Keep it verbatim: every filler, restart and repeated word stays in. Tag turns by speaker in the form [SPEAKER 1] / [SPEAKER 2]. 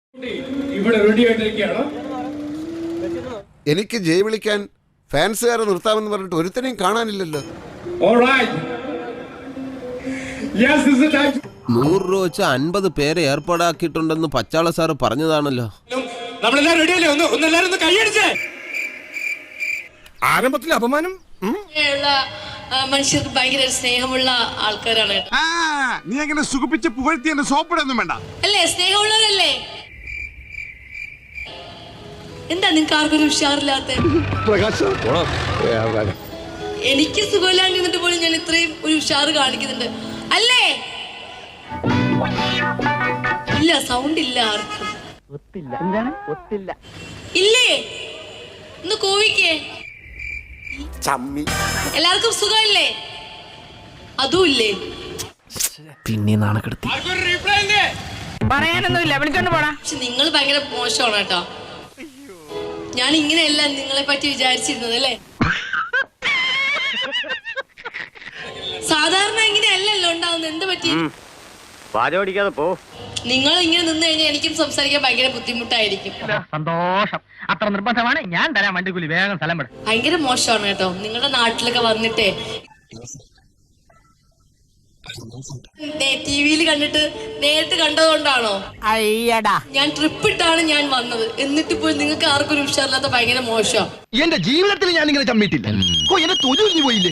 [SPEAKER 1] ഇവിടെ റെഡി ആയിട്ടിരിക്കുകയാണ്.
[SPEAKER 2] എനിക്ക് ജയ് വിളിക്കാൻ ഫാൻസുകാരെ നിർത്താമെന്ന് പറഞ്ഞിട്ട് ഒരുത്തനെയും കാണാനില്ലല്ലോ.
[SPEAKER 3] നൂറ് രൂപ വെച്ച് അൻപത് പേരെ ഏർപ്പാടാക്കിയിട്ടുണ്ടെന്ന് പച്ചാള സാറ് പറഞ്ഞതാണല്ലോ.
[SPEAKER 2] ആരംഭത്തിൽ അപമാനം.
[SPEAKER 4] മനുഷ്യർക്ക് ഭയങ്കര സ്നേഹമുള്ള ആൾക്കാരാണ്.
[SPEAKER 5] നീ അങ്ങനെ സുഖിപ്പിച്ച് പുകഴ്ത്തി എന്നെ സോപ്പിടൊന്നും വേണ്ട
[SPEAKER 4] അല്ലേ? സ്നേഹമുള്ളവരല്ലേ? എന്താ നിങ്ങൾക്ക് ആർക്കൊരു ഉഷാറില്ലാത്ത? എനിക്ക് സുഖമില്ലാണ്ടിരുന്നിട്ട് പോലും ഞാൻ ഇത്രയും ഒരു ഉഷാറ് കാണിക്കുന്നുണ്ട് അല്ലേ? ഇല്ല, സൗണ്ട് ഇല്ല ആർക്കും. ഇല്ലേ? ഒന്ന് കോവിക്കേ. എല്ലാവർക്കും സുഖമല്ലേ? അതും ഇല്ലേ?
[SPEAKER 6] പിന്നെ നാണക്കെടുത്തി പറയാനൊന്നുമില്ല, വിളിച്ചോണ്ട് പോടാ.
[SPEAKER 4] പക്ഷെ നിങ്ങൾ ഭയങ്കര മോശമാണ് കേട്ടോ. ഞാൻ ഇങ്ങനെയല്ല നിങ്ങളെ പറ്റി വിചാരിച്ചിരുന്നത് അല്ലേ? സാധാരണ ഇങ്ങനെയല്ലല്ലോ ഉണ്ടാവുന്നത്. എന്ത് പറ്റി? നിങ്ങൾ ഇങ്ങനെ നിന്ന് കഴിഞ്ഞാൽ എനിക്കും സംസാരിക്കാൻ ഭയങ്കര ബുദ്ധിമുട്ടായിരിക്കും.
[SPEAKER 6] സന്തോഷം, അത്ര നിർബന്ധമാണ്. ഞാൻ തരാം വണ്ടിക്കൂലി, വേഗം സ്ഥലം വിടും.
[SPEAKER 4] ഭയങ്കര മോശമാണ് കേട്ടോ. നിങ്ങളുടെ നാട്ടിലൊക്കെ വന്നിട്ടേ ടി വിയിൽ കണ്ടിട്ട് നേരിട്ട് കണ്ടതുകൊണ്ടാണോ?
[SPEAKER 6] അയ്യടാ,
[SPEAKER 4] ഞാൻ ട്രിപ്പ് ഇട്ടാണ് ഞാൻ വന്നത്. എന്നിട്ട് പോയി നിങ്ങൾക്ക് ആർക്കും ഒരു ഉഷാറില്ലാത്ത ഭയങ്കര മോശം.
[SPEAKER 5] എന്റെ ജീവിതത്തിൽ ഞാൻ ഇങ്ങനെ ചമ്മിട്ടില്ല. എന്നെ തൊഴിൽ പോയില്ലേ.